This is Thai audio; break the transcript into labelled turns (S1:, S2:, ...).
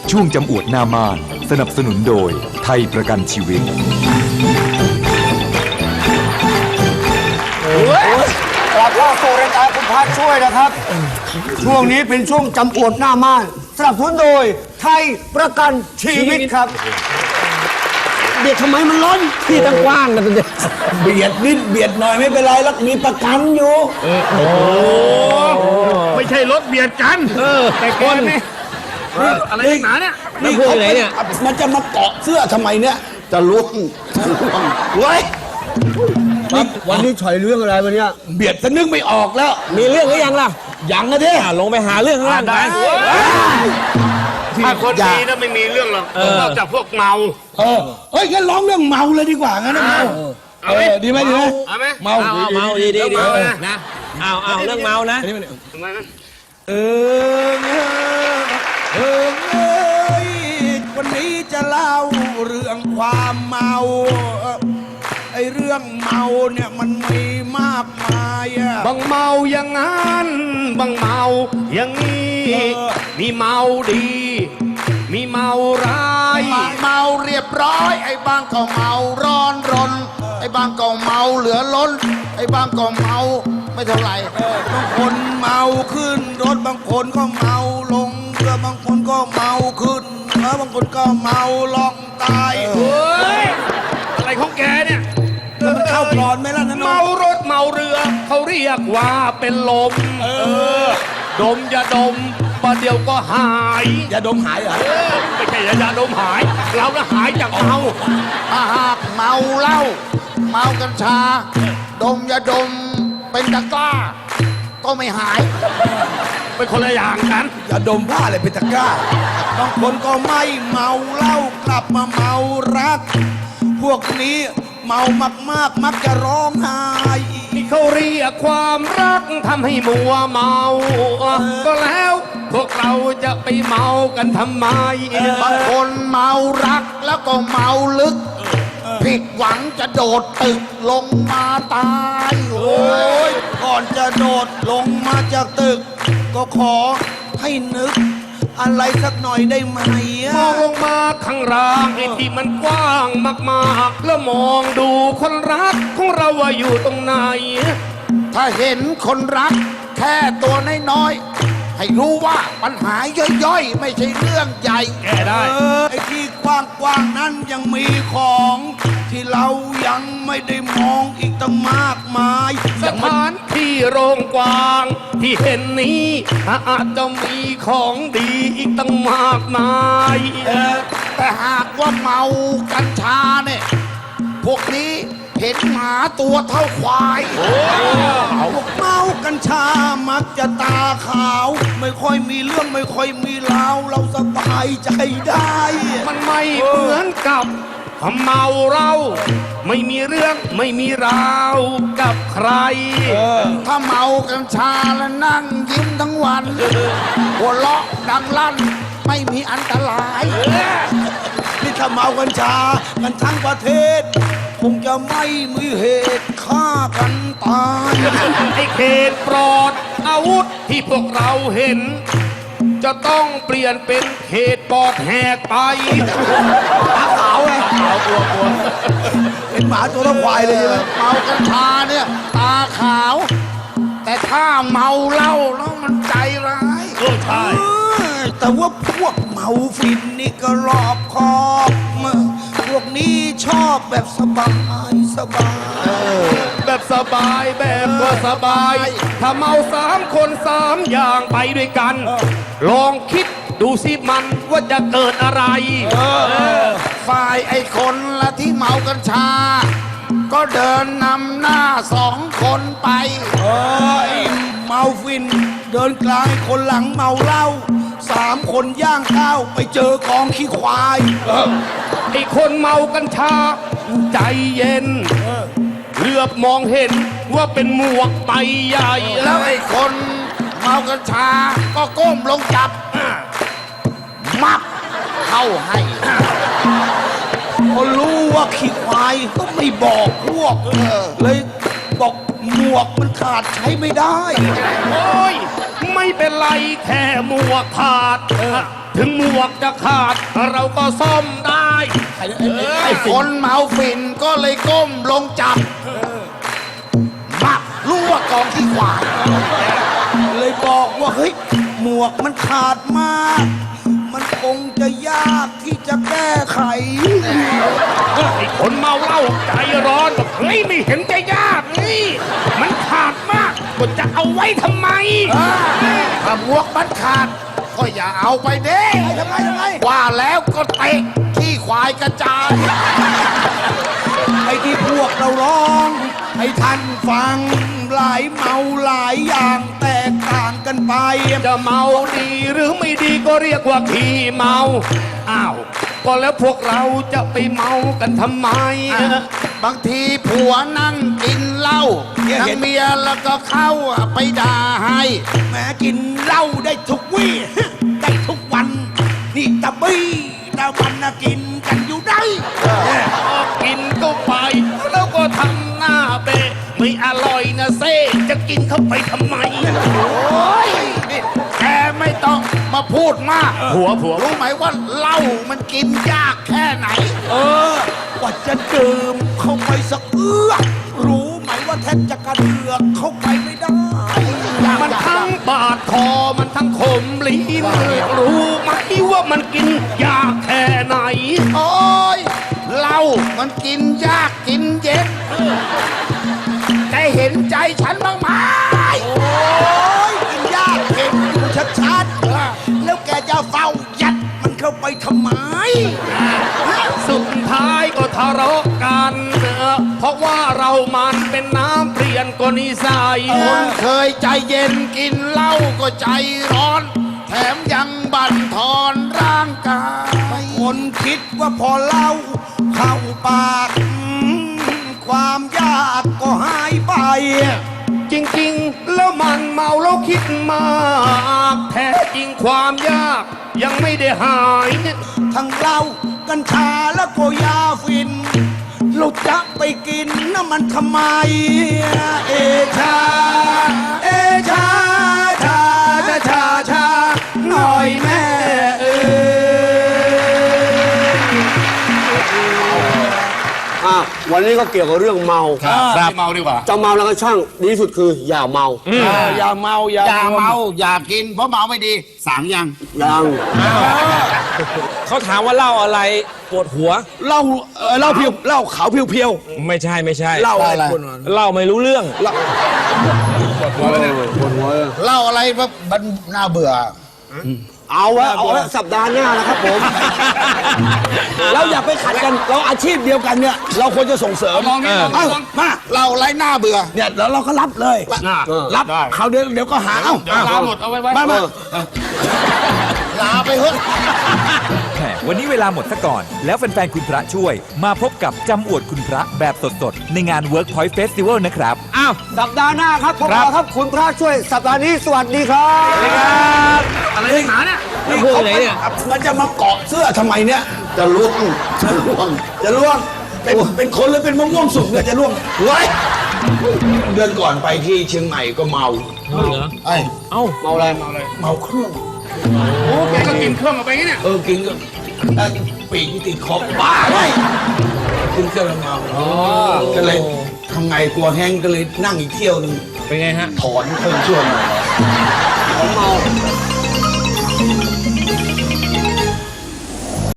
S1: ช่วงจำอวดหน้าม่านสนับสนุนโดยไทยประกันชีวิต
S2: กลับเข้าสู่รายการคุณพระช่วยนะครับ ช่วงนี้เป็นช่วงจำอวดหน้าม่านสนับสนุนโดยไทยประกันชีวิตครับเบียดทำไมมันล้นที่ตั้งกว้างนะเป็นเด็ก
S3: เบียดนิดเบียดหน่อยไม่เป็นไรแล้วมีประกันอยู่
S4: ไม่ใช่รถเบียดกันแต่คนนี่อะไรหนาเนี่ย
S3: นี่เขาเนี่ยมันจะมาเกาะเสื้อทำไมเนี่ยจะล่วงเว้ย
S2: วันนี้ฉอยเรื่องอะไรวันนี้
S3: เบียดซะนึกไม่ออกแล้ว
S2: มีเรื่องหรือยังล่ะ
S3: ยังนะเด้
S2: ลงไปหาเรื่องข้างล่างไป
S4: ถ้าคนดีนะไม่มีเรื่องหรอกนอกจากพวกเมา
S3: เฮ้ยงั้นร้องเรื่องเมาเลยดีกว่างั้นนะเมาดีไหมดีไหม
S4: เอาไหม
S3: เมา
S2: ดี
S4: นะ
S2: เอาเรื่องเมานะ
S4: ทำไมนะ
S3: เวันนี้จะเล่าเรื่องความเมาไอ้เรื่องเมาเนี่ยมันมีมากมายอะ
S4: บางเมาอย่างนั้นบางเมาอย่างนี้มีเมาดี มีเมาร้าย
S5: บางเมาเรียบร้อยไอ้บางก็เมาร้อนรนไอ้บางก็เมาเหลือล้นไอ้บางก็เมาไม่เท่าไหร่
S3: บางคนเมาขึ้นรถบางคนก็เมาลงเรือบางคนก็เมาขึ้นแล้วบางคนก็เมาลองตาย
S4: เฮ้ยอะไรของแกเนี่ย
S3: มันเข้าปลอนไหมล่ะนั่น
S4: เมารถเมาเรือเขาเรียกว่าเป็นลมดมอย่าดมประเดี๋ยวก็หาย
S3: อย่าดมหายเหรอ
S4: ไม่ใช่อย่าดมหายเราน่ะหายจากเมา
S5: ถ้าหากเมาเหล้าเมากัญชาดมอย่าดมเป็นตะกร้าก็ไม่หาย
S4: เป็นคนละอย่างกัน
S3: อย่าดมผ้าอะไรเป็นตะกร้าบางคนก็ไม่เมาเหล้ากลับมาเมารักพวกนี้เมามากๆมักจะร้องไห้
S4: เขาเรียกความรักทำให้มัวเมาก็แล้วพวกเราจะไปเมากันทำไม
S5: บางคนเมารักแล้วก็เมาลึกผิดหวังจะโดดตึกลงมาตาย
S3: โอ้ยก่อนจะโดดลงมาจากตึกก็ขอให้นึกอะไรสักหน่อยได้ไหม
S4: มองลงมาข้างล่างไอ้ที่มันกว้างมากๆแล้วมองดูคนรักของเราว่าอยู่ตรงไหน
S5: ถ้าเห็นคนรักแค่ตัวน้อยๆให้รู้ว่าปัญหาย่อยๆไม่ใช่เรื่องใหญ่
S4: แก้ได้
S3: ไอ้ที่กว้างๆนั้นยังมีของที่เรายังไม่ได้มองอีกตั้งมากมาย
S4: สถานที่โรงกว้างที่เห็นนี้อาจจะมีของดีอีกตั้งมากมาย
S5: แต่หากว่าเมากัญชาเนี่ยพวกนี้เห็นหมาตัวเท่าควาย
S3: พวกเมากัญชามักจะตาขาวไม่ค่อยมีเรื่องไม่ค่อยมีราวเราสบายใจได้
S4: มันไม่เหมือนกับเมาเราไม่มีเรื่องไม่มีราวกับใคร
S5: ถ้าเมากัญชาแล้วนั่งยิ้มทั้งวันหัวเราะดังลั่นไม่มีอันตราย
S3: นี่ถ้าเมากัญชากันทั้งประเทศคงจะไม่มีเหตุฆ่ากันตาย
S4: ไอ้เขตปลอดอาวุธที่พวกเราเห็นจะต้องเปลี่ยนเป็นเขตปอดแหกไป
S3: ตาขาวไงกลัวเป็นหมาตัวละควายเลย
S5: เมากัญชาเนี่ยตาขาวแต่ถ้าเมาเหล้าแล้วมันใจร้าย
S4: ใช่
S3: แต่ว่าพวกเมาฟินนี่ก็รอบคอบพวกนี้ชอบแบบสบาย
S4: แบบสบายแบบว่าสบายถ้าเมา3 คน3 อย่างไปด้วยกันลองคิดดูสิมันว่าจะเกิดอะไร
S5: ฝ่ายไอ้คนละที่เมากัญชาก็เดินนำหน้า2 คนไป
S3: เมาฟินเดินกลางคนหลังเมาเหล้า3 คนย่างข้าวไปเจอกองขี้ควาย
S4: ไอ้คนเมากัญชาใจเย็นเหลือบมองเห็นว่าเป็นหมวกใบใหญ่
S5: แล้วไอ้คนเมากัญชาก็ก้มลงจับมับเข้าให้
S3: พอรู้ว่าขี้ควายก็ไม่บอกพวกเลยบอกหมวกมันขาดใช้ไม่ได้
S4: โอ้ยไม่เป็นไรแค่หมวกขาดถึงหมวกจะขาดเราก็ซ่อมได้
S5: ไอ้คนเมาฝิ่นก็เลยก้มลงจับมักรู้ว่ากองที่ขวา
S3: เลยบอกว่าเฮ้ยหมวกมันขาดมาก มันคงจะยากที่จะแก้ไข
S4: ไอ้คนเมาเหล้าใจร้อนบอกเฮ้ยไม่เห็นจะยากนี่มันขาดมากก็จะเอาไว้ทำไม
S5: ถ้าหมวกมันขาด ก็อย่าเอาไปเด้
S3: ทำไม
S5: ว่าแล้วก็เตะขี้ควายกระจาย
S3: ไอ้ที่พวกเราร้องให้ท่านฟังหลายเมาหลายอย่างแตกต่างกันไป
S4: จะเมาดีหรือไม่ดีก็เรียกว่าขี้เมา อ้าว ก็แล้วพวกเราจะไปเมากันทำไม
S5: บางทีผัวนั่งกินเหล้า
S3: เนี่ย
S5: ทั้
S3: เห็
S5: ง
S3: น
S5: เมียแล้วก็เข้าไปด่าให้
S3: แหม้กินเหล้าได้ทุกวี่ ได้ทุกวัน นี่ตะบี้ตะวันนะกินกันอยู่ได้
S4: กินก็ไป แล้วก็ทำหน้าเบะไม่อร่อยนะเซ่จะกินเข้าไปทำไม
S5: โอ้ยนี่แกไม่ต้องมาพูดมาก
S4: ผัว
S5: รู้ไหมว่าเหล้ามันกินยากแค่ไหน
S3: กว่าจะดื่มเข้าไปสักเอื้อรู้ไหมว่าแทบจะกระเดือกเข้าไปไม่ได้
S4: มันทั้งบาดคอมันทั้งขมลิ้นรู้ไหมว่ามันกินยากแค่ไหน
S5: โอ้ยเหล้ามันกินยากกินเย็นแกเห็นใจฉันบ้างไหม
S3: โอ้ยกินยากเห็นอยู่ชัดๆแล้วแกจะเฝ้ายัดมันเข้าไปทำไม
S4: สุดท้ายก็ทะเลาะกันเพราะว่าเรามันเป็นน้ำเปลี่ยนกว่านิสัย
S5: คนเคยใจเย็นกินเหล้าก็ใจร้อน แถมยังบั่นทอนร่างกาย
S3: คนคิดว่าพอเหล้าเข้าปากความยากก็หายไป
S4: จริงๆ แล้วมันเมาแล้วคิดมาก แท้จริงความยากยังไม่ได้หาย
S3: ทั้งเหล้ากัญชาแล้วก็ยาฟิน เราจะไปกินน้ำมันทำไม เอชา เอชา ชา ชา ชา หน่อยแม่เอ้ย
S2: วันนี้ก็เกี่ยวกับเรื่องเมา
S4: ครับเมาดีกว่า
S2: จะเมาแล้วก็ช่างดีที่สุดคืออย่าเมา
S3: อย่าเมา
S5: อย่าเมาอย่ากินเพราะเมาไม่ดีสางยัง
S2: ยัง
S6: เขาถามว่าเหล้าอะไรปวดหัว
S3: เหล้าเหล้าเพียวเหล้าขาวเพียว
S6: ไม่ใช่ไม่ใช่
S3: ๆเหล้าอะไร
S6: เหล้าไม่รู้เรื่อง
S5: เล่าอะไรแบบมันน่าเบื่อ
S2: เอาไว้สัปดาห์หน้านะครับผม
S3: เราอย่าไปขัดกัน เราอาชีพเดียวกันเนี่ย เราควรจะส่งเสริม
S4: ลองนี่ลอง
S3: เอ้า
S4: ลอง
S3: มา
S5: เล่าอะไรน่าเบื่อ
S3: เนี่ยแล้วเราก็รับเลย รับ
S4: ได้
S3: เขาเดี๋ยวก็หา เอ้า
S4: เดี๋ยวลาหมดเอาไว้
S3: มามา
S5: ลาไปเถอะ
S1: แหมวันนี้เวลาหมดซะก่อน แล้วแฟนๆคุณพระช่วย มาพบกับจำอวดคุณพระแบบสดๆ ในงาน Workpoint Festival นะครับ
S2: อ้าวสัปดาห์หน้าครับพบกันครับคุณพระช่วยสัปดาห์นี้สวัสดีครับ
S4: อะไรนักหนาเนี่ย
S3: นี่เขามันจะมาเกาะเสื้อทำไมเนี่ย
S5: จะล่วงจะล่วง
S3: จะล่วง เป็นคนหรือเป็นมะม่วงสุกเนี่ยจะล่วงเฮ้ยเดือนก่อนไปที่เชียงใหม่ก็เมา
S5: ไอ้
S2: เมาอะไร
S3: เมาเครื่อง
S4: โอ้แกก็กินเครื่องเอาไปเนี่ย
S3: กินก็ปีกที่ติดคอบ้าเลยกินเครื่องแล้วเมาก็เลยทำไงกลัวแห้งก็เลยนั่งอีกเที่ยวหนึ่ง
S6: เป็นไงฮะ
S3: ถอนเครื่องช่วง
S2: เมา